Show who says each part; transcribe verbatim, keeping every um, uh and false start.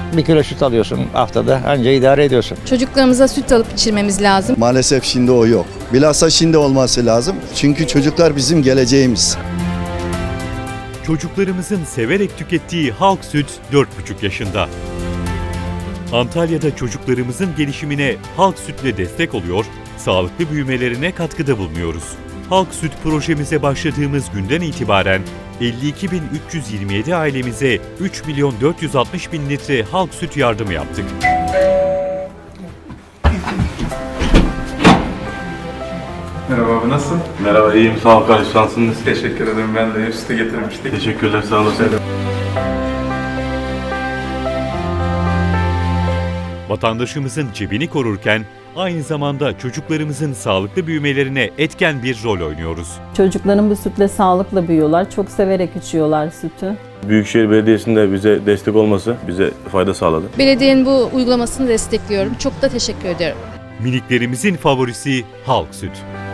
Speaker 1: Bir kilo süt alıyorsun haftada, anca idare ediyorsun.
Speaker 2: Çocuklarımıza süt alıp içirmemiz lazım.
Speaker 3: Maalesef şimdi o yok. Bilhassa şimdi olması lazım. Çünkü çocuklar bizim geleceğimiz.
Speaker 4: Çocuklarımızın severek tükettiği Halk Süt dört buçuk yaşında. Antalya'da çocuklarımızın gelişimine Halk Süt'le destek oluyor, sağlıklı büyümelerine katkıda bulunuyoruz. Halk Süt projemize başladığımız günden itibaren elli iki bin üç yüz yirmi yedi ailemize üç milyon dört yüz altmış bin litre Halk Süt yardımı yaptık.
Speaker 5: Merhaba abi, nasılsın?
Speaker 6: Merhaba, iyiyim. Sağ ol kardeşim. Şansınız.
Speaker 5: Teşekkür ederim, ben de üstü getirmiştik.
Speaker 6: Teşekkürler, sağ olasın.
Speaker 4: Vatandaşımızın cebini korurken aynı zamanda çocuklarımızın sağlıklı büyümelerine etken bir rol oynuyoruz.
Speaker 7: Çocukların bu sütle sağlıkla büyüyorlar. Çok severek içiyorlar sütü.
Speaker 6: Büyükşehir Belediyesi'nin de bize destek olması bize fayda sağladı.
Speaker 2: Belediyenin bu uygulamasını destekliyorum. Çok da teşekkür ederim.
Speaker 4: Miniklerimizin favorisi Halk Süt.